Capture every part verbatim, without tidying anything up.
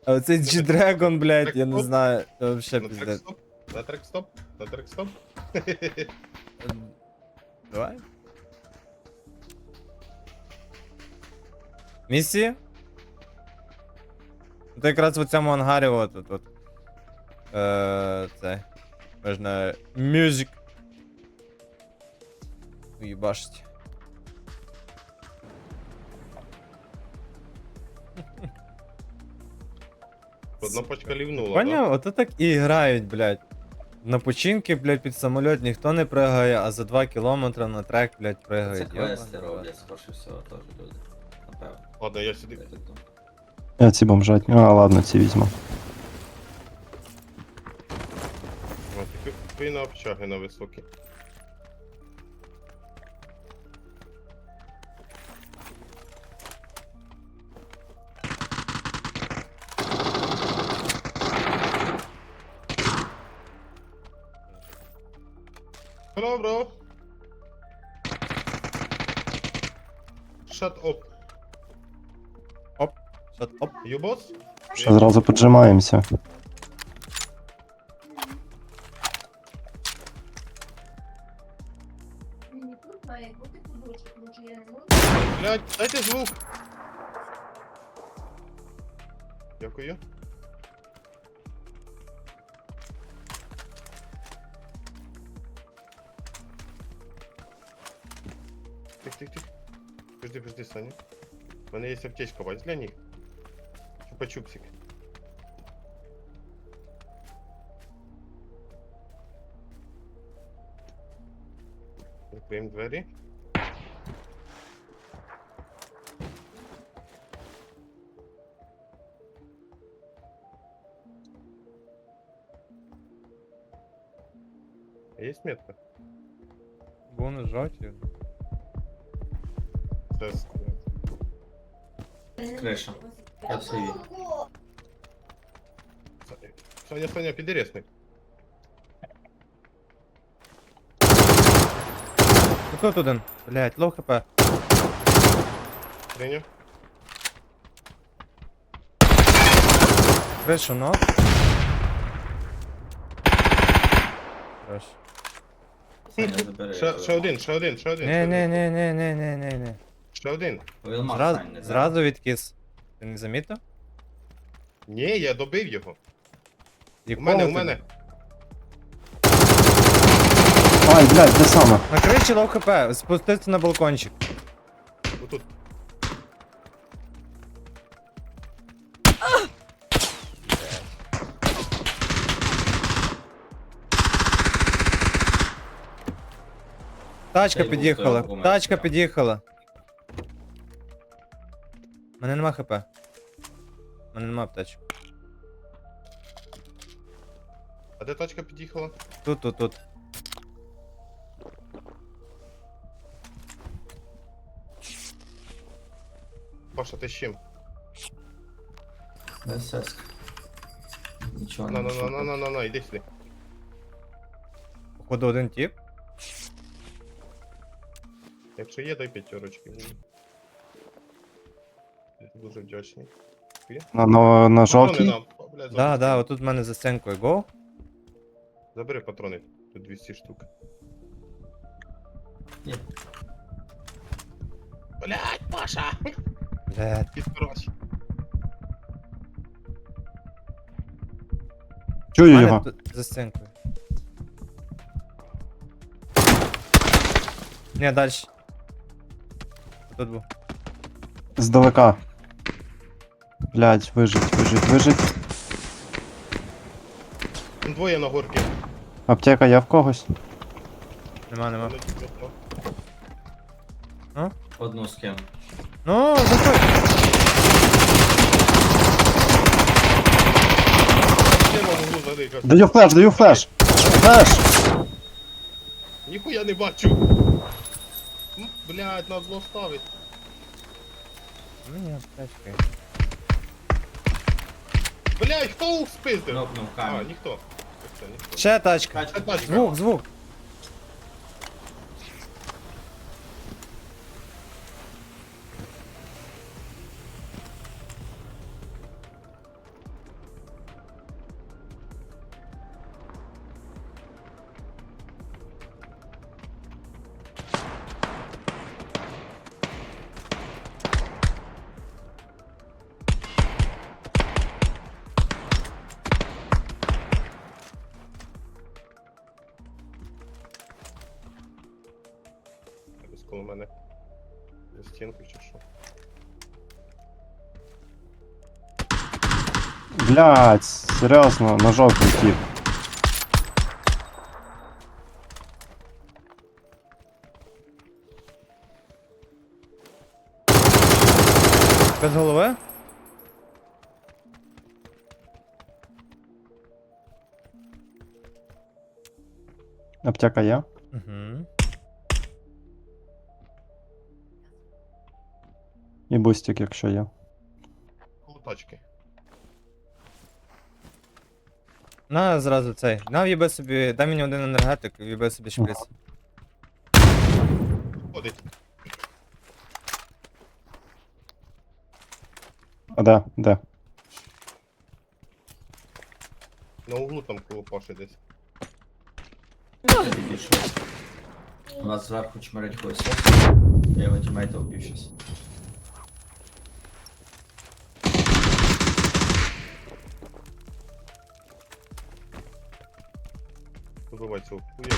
А оцей G-Dragon, блядь, я не Трек-стоп. знаю. Це вообще На трек пиздец. стоп. На трек стоп. На трек стоп. Ем, Давай. Місії? Це якраз в цьому ангарі от от от. Е, це. Можна music. Уїбашить. Одна пачка лівнула, Поняв? Ото так і грають, блядь. На починки, блядь, під самоліт ніхто не пригає, а за два кілометри на трек, блядь, Це пригають. квести Йобана, роблять, скорше всього, теж люди. Напевно. Ладно, я сюди. Я так думаю. Я ці бомжатні. А, ладно, ці візьму. О, ти пи на общаги на високі. Hello, bro. Shut up. Оп, shut up. You boss? Ще зразу поджимаємося. Мені тут має бути подушка, тому що я не можу. Блядь, дайте звук. Дякую. Тих, тих, тих. Подожди, подожди, Саня. У мене є аптечка, бач для них. Чупа-чупсик. Закриємо двері. Є метка? Вони жовті. Це... Криша. Я в сейві. Саня, Саня, підересний. Ну тут один. Блядь, лоу хп. Треня. Кришу, ну. Хорош. Саня, забери. Ще, ще один, ще один, ще один. Не, ще не, один. не, не, не, не, не, не. Ще один. Вилмар, Зразу, Сань, не зразу відкис. Ти не замітив? Ні, я добив його. У Якого мене, у ти? мене. Ай, блядь, де саме? На криші лоу хп, спуститься на балкончик. Отут. Тачка Та й під'їхала, лутою тачка помер, під'їхала. Мене нема хп. Мене нема аптечки. А де тачка під'їхала? Тут, тут, тут. Паша, ти з чим? СС. Нічого На, не на, на, на, знайшов. на, на, на, іди сюди. Походу один тип. Якщо є, дай п'ятерочки. Я дуже вдячний. На, на, на Патрони жовтій? нам. О, блядь, Да, забери. да, отут в мене за стінкою. Го. Забери патрони. Тут двісті штук. Є. Блядь, Паша! Блядь. Підкороть. В Чую мене його. тут за стінкою. Не, дальше. Тут був. Здалека. Блядь, вижить, вижить, вижить. Там двоє на горці. Аптека є в когось? Нема, нема. Одну скину. Ну, заходь. Я можу задикати. Даю флеш, даю флеш! Флеш! Ніхуя не бачу. М, Блядь, на зло ставить. Мені аптечки. Блядь, хто спиздив? Кнопнув А, камінь. ніхто. Все, ніхто. Ще тачка. Тачка, Тачка. Звук, звук. стінку чи що. Блядь, серйозно, на жовтий тіп. Без голови? Аптека є? Угу. І бустик, якщо є. Коло тачки. На зразу цей. На в'їби собі. Дай мені один енергетик, в'їби собі шприц. Ходить. А де? Де? На углу там коло Паші десь. Я підійшов. У нас зверху чмирить когось. Я його тімейта вбив щас. Вибивай цього хуя.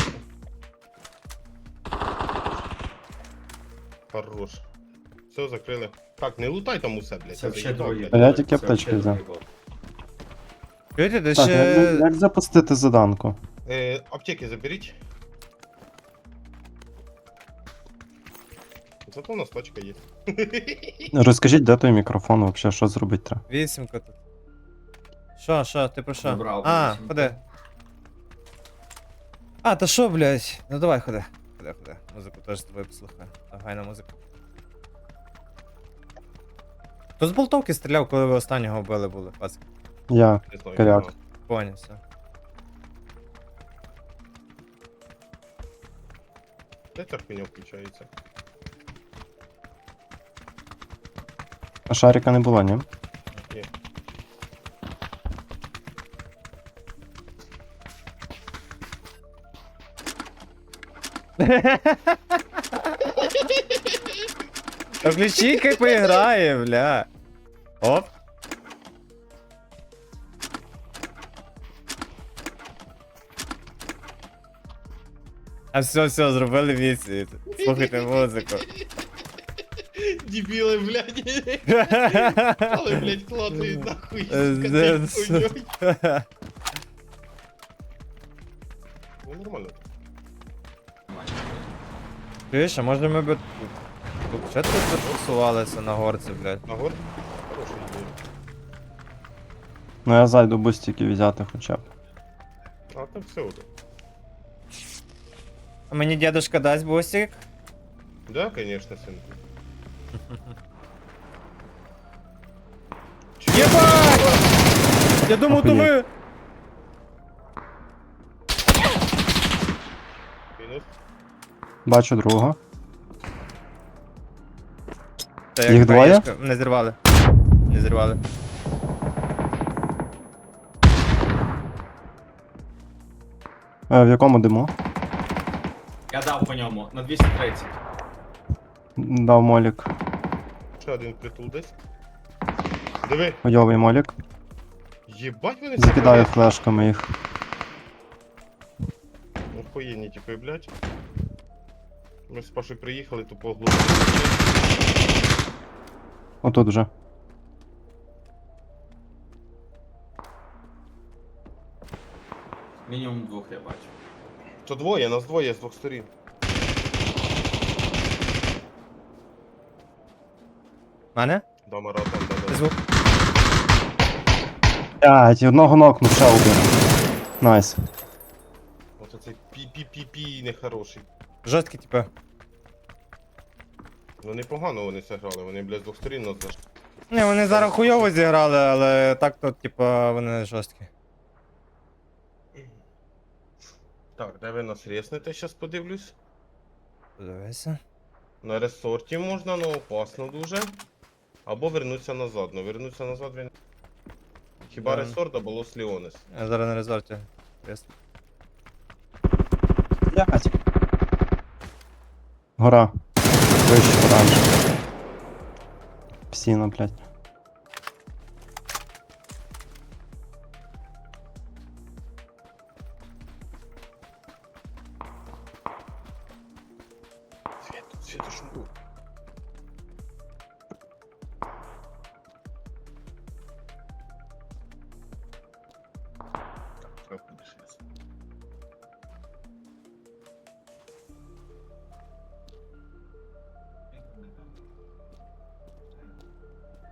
Хорош. Все, закрили. Так, не лутай там усе, блядь. Це я взагалі заїбав, двоє. блядь. А я тільки Це аптечки взагалі взяв. двоє. Чуєте, де Так, як, ще. як запустити заданку? Е, аптеки заберіть. Зато у нас тачка є. Розкажіть, де той мікрофон, взагалі, що зробити треба? Вісімка тут. Що, що, ти про що? Забрав А, вісімку. ходи. А, та що, блядь? Ну давай, ходи. Ходи, ходи. Музику теж з тобою послухаю. Гайна музика. Хто з болтовки стріляв, коли ви останнього вбили були, пацки? Я. Не знаю. Коряк. не знаю. Поняв, все. Де ця хуйня включається? А шарика не було, ні? Ні. Та включи, хай поіграє, бля. Оп. А все, все, зробили місію. Слухайте музику. Дебіли, блядь. Але, блядь, клацають нахуй. Е, сука, де- цей хуйньой. Ну, нормально. Чуєш, а може ми би тут ще тут посувалися на горці, блядь. Нагор? Хороший ідея. Ну я зайду бустики взяти хоча б. А так все уже. А мені дедушка дасть бустик? Да, конечно, синку. Єбать! Я думав, то ви... Мінус. Бачу другого. Та Їх двоє? краєшка. Не зірвали. Не зірвали. Е, в якому диму? Я дав по ньому на двісті тридцять. Дав молік. Ще один притул десь. Диви, Хуйовий молік. єбать вони Закидаю флешками їх. Охуєнні типи, блядь. Ми з Пашою приїхали, то поглубили. Отут вже. Мінімум двох я бачу. То двоє, нас двоє з двох сторін. Мене? Дамара там, да, да. Звук. Блять, одного нокнув, ще один. Найс. Оце цей пі-пі-пі-пі нехороший. Жорсткі, типу. Ну непогано вони це грали, вони, блядь, з двох сторін нас заш. Не, вони зараз хуйово зіграли, але так то, типу, вони жорсткі. Так, де ви нас резнете, щас подивлюсь. Подивися. На ресорті можна, але опасно дуже. Або вернуться назад. Ну вернуться назад він. Хіба Да. ресорт або Лос Ліонес? Я зараз на резорті. Ясно. Блять. Гора. Вище, оранж. Псіна, блять. Світ, світ, що тут?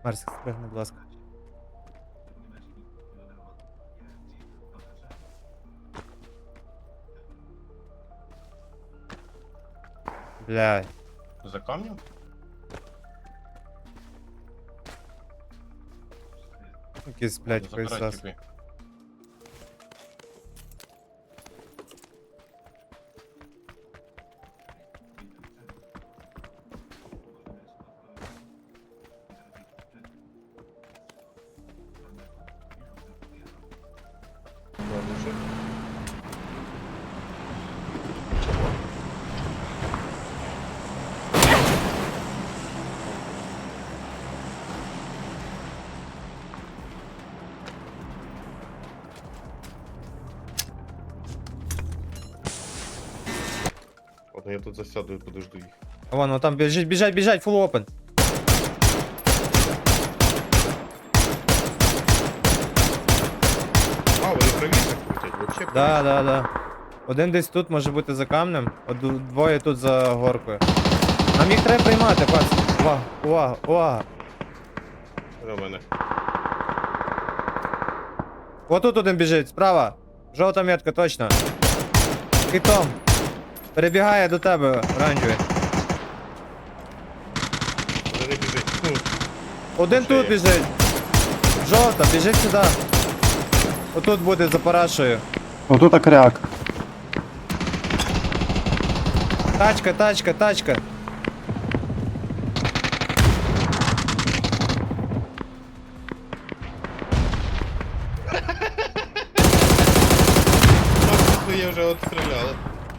Марсик, спригни, будь ласка. Блядь. За камнем? Якийсь, блядь, Забирай хуйсос. тіпи. Ладно, що? Ладно, я тут засяду і подожду їх. А вон, вон там біжить, біжать, біжать, full open. А, вони правіше крутять, вообще. Да, да, да. Один десь тут може бути за камнем, а ду- двоє тут за горкою. Нам їх треба приймати, пац. Увага, увага, увага. До мене. Отут один біжить, справа. Жовта метка, точно. Китом. Перебігає до тебе, оранжевий. Вони не біжить. Хм. Один Ще тут є. біжить. Жовта, біжить сюди. Отут буде за парашою. Отут кряк. Тачка, тачка, тачка. Так, своє вже отстріляли.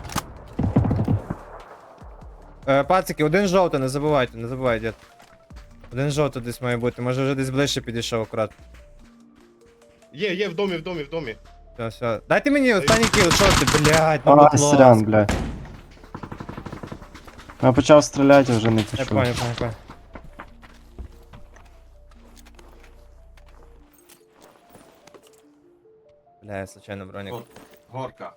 Е, пацики, один жовтий, не забувайте, не забувайте, дід. Один жовтий десь має бути, може вже десь ближче підійшов акурат. Є, є, в домі, в домі, в домі. Все, все. Дайте мені останній кіл, що ти, блядь, ну А, будь срян, ласка. блядь. Я почав стріляти, вже не Я пішов. понял, понял, понял. Бля, я случайно броник. От, горка.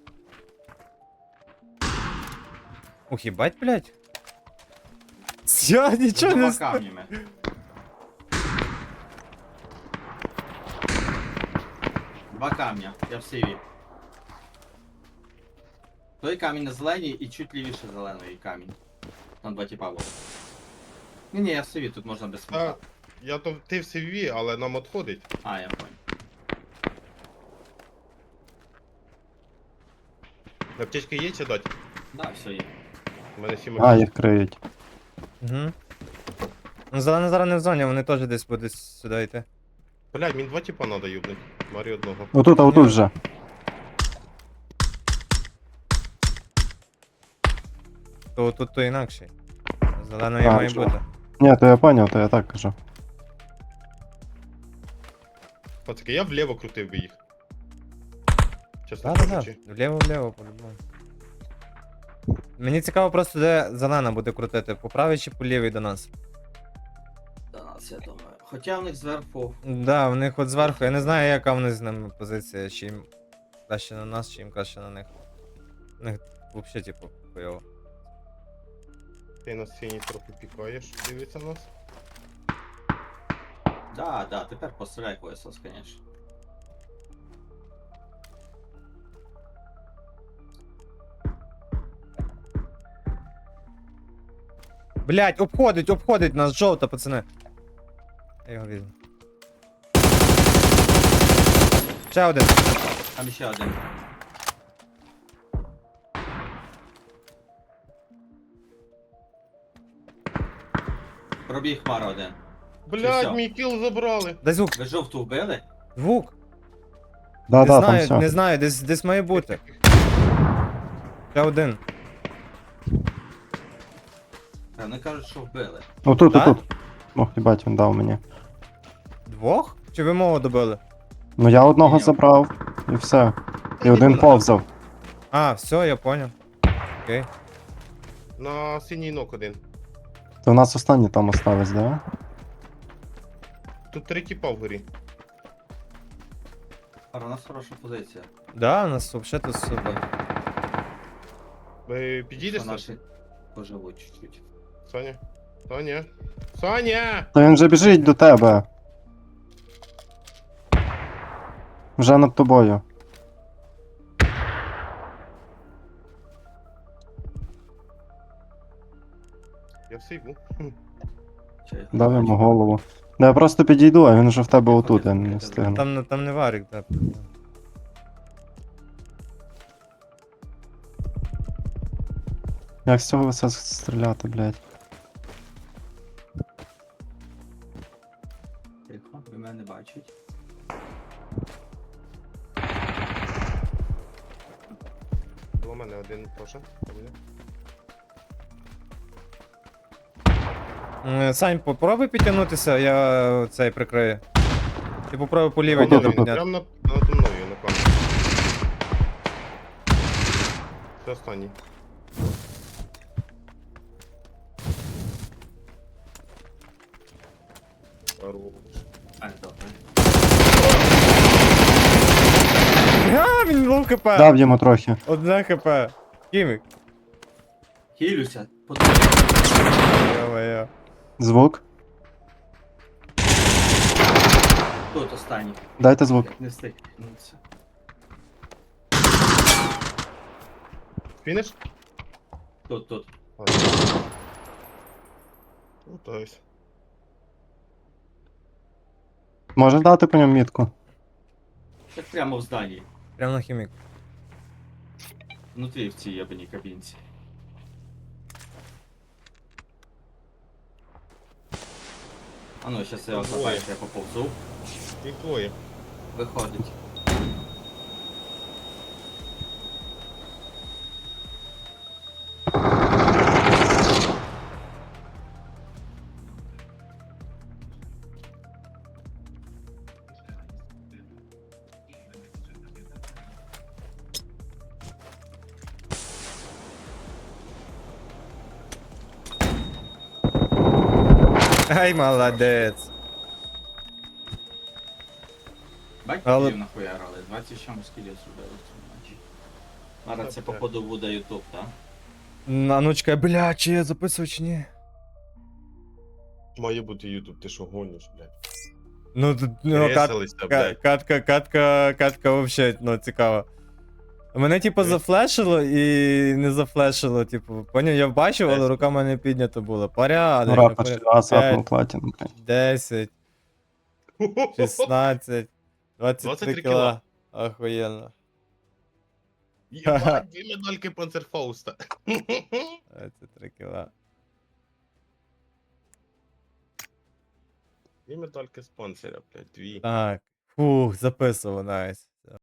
Ух, ебать, блядь. Я нічого не Двома знаю. камнями. Два камня, я в сиві. Той камінь на зеленій і чуть лівіше зеленої камінь. Там два тіпа було. Ні, ні, я в сиві, тут можна без А, смута. я то ти в сі ві, але нам отходить. А, я понял. Аптечка є чи дать? Да, все є. У мене сім А, аптечок. їх криють. Угу. Ну, зелена зараз не в зоні, вони теж десь будуть сюди йти. Блядь, мені два типа надо юбнуть. Марі одного. Отут, а отут вже. То тут то інакше. Зеленої А, має що? бути. Ні, то я поняв, то я так кажу. Пацаки, я вліво крутив би їх. Чесно Да, да, да. кажучи. Вліво-вліво, по-любому. Мені цікаво просто, де зелена буде крутити, по правій чи по лівій до нас. До нас, я думаю. Хоча в них зверху. Да, в них от зверху, я не знаю, яка в них з ними позиція, чи їм краще на нас, чи їм краще на них. У них взагалі, типу, хуйово. Ти на сцені трохи пікаєш, дивиться нас. Да, да, тепер постріляй КСОС, конечно. Блять, обходить, обходить нас жовта, пацани. Я його візьму. Ще один. Там ще один. Пробіг хмара один. Блядь, всьо? мій кіл забрали. Дай звук. Ви жовту вбили? Звук. Да, не да, там знаю, все. не знаю, десь, десь має бути. Ще один. Та вони кажуть, що вбили. Отут, Да? отут. Ох, їбать, він дав мені. Двох? Чи ви мого добили? Ну я одного Ні. забрав, і все. І Та один ні, повзав. А, все, я понял. Окей. На синій нок один. То в нас останні там остались, да? Тут три типа вгорі. А у нас хороша позиція. Да, у нас взагалі тут супер. Ви підійдеш, Що Саш? наші поживуть чуть-чуть. Саня? Та ні. Саня! Та він вже біжить до тебе. Вже над тобою. Я в сейву. Чи я Дав бачу? йому голову. Да я просто підійду, а він вже в тебе Тихо, отут, я тихо, не тихо. встигну. Там, там не варік, так. Як з цього все стріляти, блядь? Тихо, ви мене бачать. У мене один теж. М, Сань, попробуй підтягнутися, я е, цей прикрию. Ти попробуй по лівій Отут, діду отут. підняти. Прям над, надо мною на камері. Це останній. Хорош. А, добре. А, він лов хп. Дав йому трохи. Одне хп. Кімік. Хілюся, по Йо-моє. Звук. Тут останній. Дайте звук. Як не встиг. підтягнутися. Фініш? Тут, тут. Ну, то есть. Можеш дати по ньому мітку? Так прямо в зданні. Прямо на хімік. Внутрі в цій ябаній кабінці. А ну, щас я Двоє. отбачу, я поповзу. Їх двоє. Виходить. Ай, молодець. Бать, Але- кілів нахуярили. двадцять сім скілів зробили в цьому матчі. Зараз це походу буде ютуб, так? А ну чекай, бля, чи я записував чи ні? Має бути Ютуб, ти що гониш, блядь? Ну, тут, ну, кат, Ресалися, ка- блядь. катка, катка, катка вообще, ну, цікаво. Мене, типу, Ой. зафлешило і не зафлешило, типу, поняв, я бачив, але Десять. рука в мене піднята була. Порядок, Рапа порядок. раз П'ять, апнув платіну, блядь. десять, шістнадцять, двадцять двадцять три три кіла. Охуєнно. Єбать, дві медальки Панцерфауста. двадцять три кіла. Дві медальки з панциря, блядь, дві. Так. Фух, записував, найс.